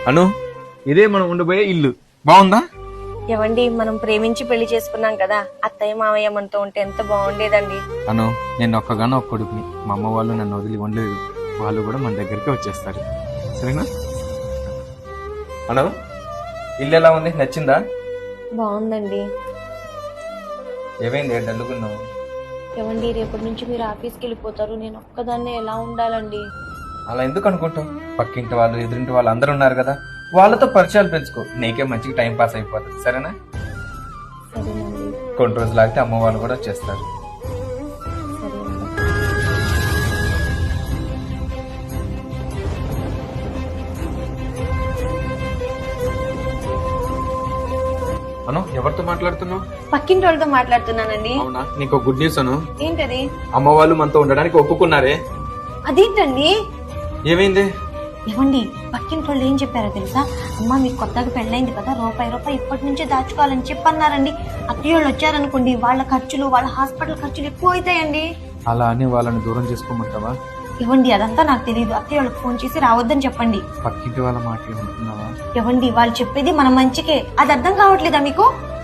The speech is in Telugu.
అను, ఇదే మనం ఉండబోయే ఇల్లు. బాగుందా? ఏవండి, మనం ప్రేమించి పెళ్లి చేసుకున్నాం కదా, అత్తయ్య మావయ్య మనతో ఉంటే ఎంత బాగుండేదండి. అను, నేను ఒక్కగానో ఒక్క కొడుకుని. మా అమ్మ వాళ్ళు నన్ను వదిలి ఉండలేదు. వాళ్ళు కూడా మన దగ్గరికి వచ్చేస్తారు. సరేనా? అను, ఇల్లు ఎలా ఉంది? నచ్చిందా? బాగుందండి. ఏమైంది డల్లుకున్నావు? ఏవండి, రేపటి నుంచి మీరు ఆఫీస్కి వెళ్ళిపోతారు, నేను ఒక్కదాన్నే ఎలా ఉండాలండి? అలా ఎందుకు అనుకుంటావు? పక్కింటి వాళ్ళు, ఎదురింటి వాళ్ళు అందరూ ఉన్నారు కదా, వాళ్ళతో పరిచయాలు పెంచుకో. నీకే మంచిగా టైం పాస్ అయిపోతుంది. సరేనా? సరేనండి. కొన్ని రోజులు ఆగితే అమ్మ వాళ్ళు కూడా వచ్చేస్తారు. సరేనండి. అను, ఎవరితో మాట్లాడుతున్నావు? పక్కింటి వాళ్ళతో మాట్లాడుతున్నానండి. అవునా? నీకు గుడ్ న్యూస్ అను. ఏంటది? అమ్మ వాళ్ళు మనతో ఉండడానికి ఒప్పుకున్నారే. అదేంటండి? ఏమైంది? ఏవండి, పక్కింటి వాళ్ళు ఏం చెప్పారో తెలుసా? అమ్మ, మీకు కొత్తగా పెళ్ళైంది కదా, రూపాయి ఇప్పటి నుంచే దాచుకోవాలని చెప్పన్నారండి. అత్తయ్య వాళ్ళు వచ్చారనుకోండి, వాళ్ళ ఖర్చులు, వాళ్ళ హాస్పిటల్ ఖర్చులు ఎక్కువ అవుతాయండి. అలా అని వాళ్ళని దూరం చేసుకోమంటావా? ఏవండి, అదంతా నాకు తెలియదు. అత్తయ్య వాళ్ళకి ఫోన్ చేసి రావద్దని చెప్పండి. పక్కింటి వాళ్ళ మాటలు ఉంటున్నావా? ఏవండి, వాళ్ళు చెప్పేది మన మంచికే, అది అర్థం కావట్లేదా మీకు?